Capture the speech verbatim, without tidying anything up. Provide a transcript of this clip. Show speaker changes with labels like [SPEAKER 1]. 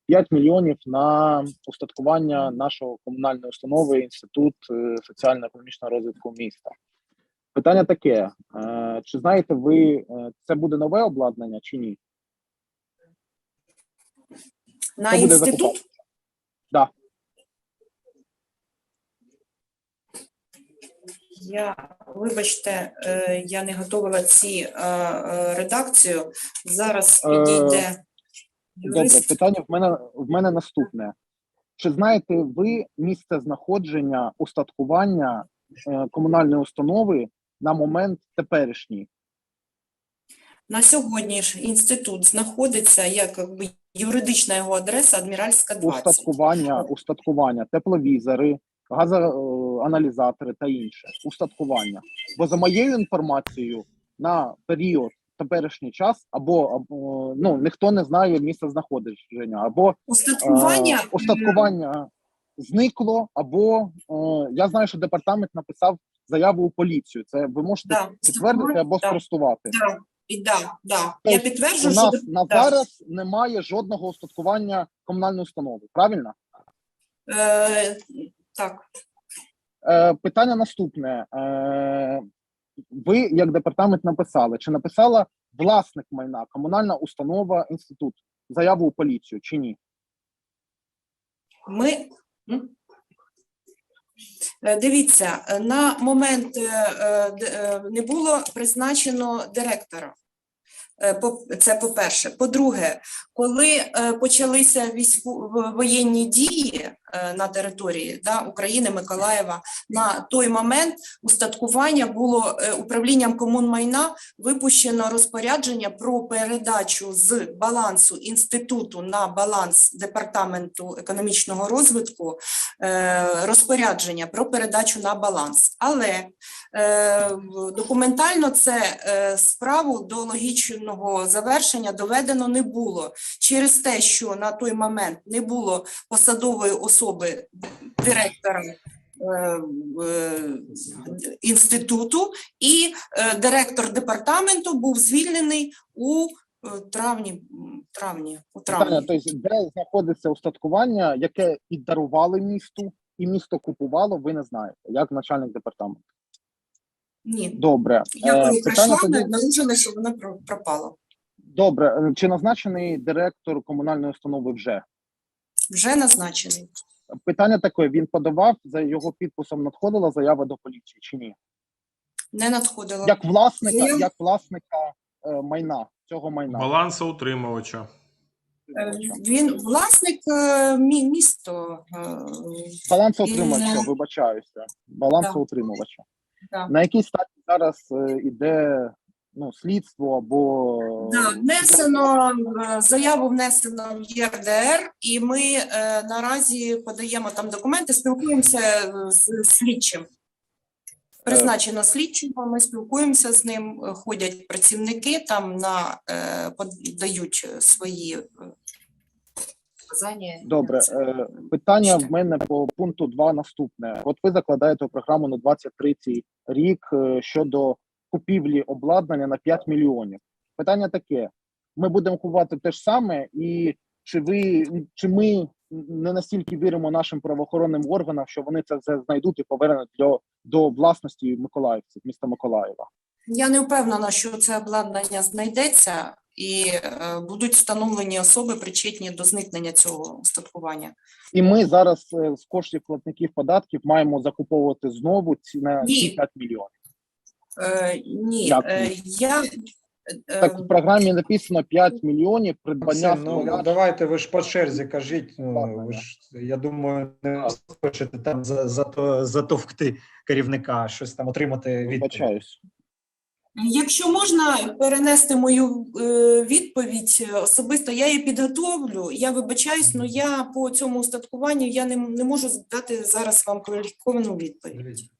[SPEAKER 1] п'ять мільйонів на устаткування нашого комунальної установи Інститут е, соціально-економічного розвитку міста. Питання таке, е, чи знаєте ви, е, це буде нове обладнання чи ні?
[SPEAKER 2] На
[SPEAKER 1] Хто буде
[SPEAKER 2] інститут?
[SPEAKER 1] закупати? Да.
[SPEAKER 2] Я, вибачте, е, я не готувала ці е, е, редакцію. Зараз
[SPEAKER 1] Е,
[SPEAKER 2] підійде
[SPEAKER 1] Добре,
[SPEAKER 2] юрист.
[SPEAKER 1] питання в мене, в мене наступне. Чи знаєте ви місце знаходження устаткування е, комунальної установи на момент теперішній?
[SPEAKER 2] На сьогодні ж інститут знаходиться як якби, юридична його адреса Адміральська двадцять.
[SPEAKER 1] Устаткування, устаткування, тепловізори, газоаналізатори та інше. Устаткування. Бо за моєю інформацією, на період теперішній час або, або ну, ніхто не знає місце знаходження, або
[SPEAKER 2] Устаткування,
[SPEAKER 1] е, устаткування зникло, або е, я знаю, що департамент написав заяву у поліцію. Це ви можете
[SPEAKER 2] да,
[SPEAKER 1] підтвердити або
[SPEAKER 2] да,
[SPEAKER 1] спростувати.
[SPEAKER 2] да, і да, да.
[SPEAKER 1] Тобто
[SPEAKER 2] Я підтверджую,
[SPEAKER 1] у нас
[SPEAKER 2] що
[SPEAKER 1] на
[SPEAKER 2] да.
[SPEAKER 1] зараз немає жодного устаткування комунальної установи, правильно?
[SPEAKER 2] Е, так.
[SPEAKER 1] Е, питання наступне. Е, ви, як департамент, написали, чи написала власник майна, комунальна установа, інститут, заяву у поліцію, чи ні?
[SPEAKER 2] Ми м? Е, дивіться, на момент е, е, не було призначено директора. Е, по- Це по-перше. По-друге, коли е, почалися війську воєнні дії е, на території да, України, Миколаєва, на той момент устаткування було е, управлінням комунмайна випущено розпорядження про передачу з балансу інституту на баланс Департаменту економічного розвитку е, розпорядження про передачу на баланс. Але е, документально це е, справу до логічного завершення доведено не було через те, що на той момент не було посадової особи директора е, е, інституту, і е, директор департаменту був звільнений у е, травні. травні, у
[SPEAKER 1] Питання,
[SPEAKER 2] травні.
[SPEAKER 1] тобто, де знаходиться устаткування, яке і дарували місту, і місто купувало, ви не знаєте, як начальник департаменту.
[SPEAKER 2] Ні.
[SPEAKER 1] Добре.
[SPEAKER 2] Я
[SPEAKER 1] Е,
[SPEAKER 2] коли
[SPEAKER 1] питання
[SPEAKER 2] прийшла,
[SPEAKER 1] тоді...
[SPEAKER 2] обнаружили, що воно про- пропало.
[SPEAKER 1] Добре. Чи назначений директор комунальної установи вже?
[SPEAKER 2] Вже назначений.
[SPEAKER 1] Питання таке, він подавав, за його підписом надходила заява до поліції чи ні?
[SPEAKER 2] Не надходило.
[SPEAKER 1] Як власника,
[SPEAKER 2] Заяв-
[SPEAKER 1] як власника е, майна, цього майна.
[SPEAKER 3] Балансоутримувача.
[SPEAKER 2] Е, Він власник е, мі- місто. е,
[SPEAKER 1] Балансоутримувача,
[SPEAKER 2] Він, е,
[SPEAKER 1] вибачаюся. Балансоутримувача.
[SPEAKER 2] да.
[SPEAKER 1] На якій стадії зараз е, іде ну, слідство або...
[SPEAKER 2] Да, внесено е, заяву внесено в Є Р Д Р, і ми е, наразі подаємо там документи, спілкуємося е, з слідчим. Призначено слідчого, ми спілкуємося з ним, е, ходять працівники, там на е, подають свої е, показання.
[SPEAKER 1] Добре, е, питання в мене по пункту два наступне. От ви закладаєте у програму на двадцять третій рік е, щодо купівлі обладнання на п'ять мільйонів. Питання таке, ми будемо купувати те ж саме, і чи ви, чи ми не настільки віримо нашим правоохоронним органам, що вони це все знайдуть і повернуть до, до власності миколаївців, міста Миколаєва?
[SPEAKER 2] Я не впевнена, що це обладнання знайдеться і е, будуть встановлені особи, причетні до зникнення цього устаткування.
[SPEAKER 1] І ми зараз е, з коштів платників податків маємо закуповувати знову ці, на
[SPEAKER 2] Ні.
[SPEAKER 1] ці п'ять мільйонів.
[SPEAKER 2] Е, ні,
[SPEAKER 1] Як
[SPEAKER 2] е,
[SPEAKER 1] ні?
[SPEAKER 2] я... е,
[SPEAKER 1] Так в програмі написано п'ять мільйонів придбання
[SPEAKER 4] Максим, ну,
[SPEAKER 1] стола.
[SPEAKER 4] давайте ви ж по черзі кажіть. Ну,
[SPEAKER 1] Ладно,
[SPEAKER 4] ви ж, я думаю, не хочете там за, за то, затовкти керівника, щось там отримати відповідь.
[SPEAKER 1] Вибачаюсь.
[SPEAKER 2] Якщо можна перенести мою е, відповідь особисто, я її підготовлю. Я вибачаюсь, але я по цьому устаткуванню я не, не можу дати зараз вам кваліфіковану відповідь.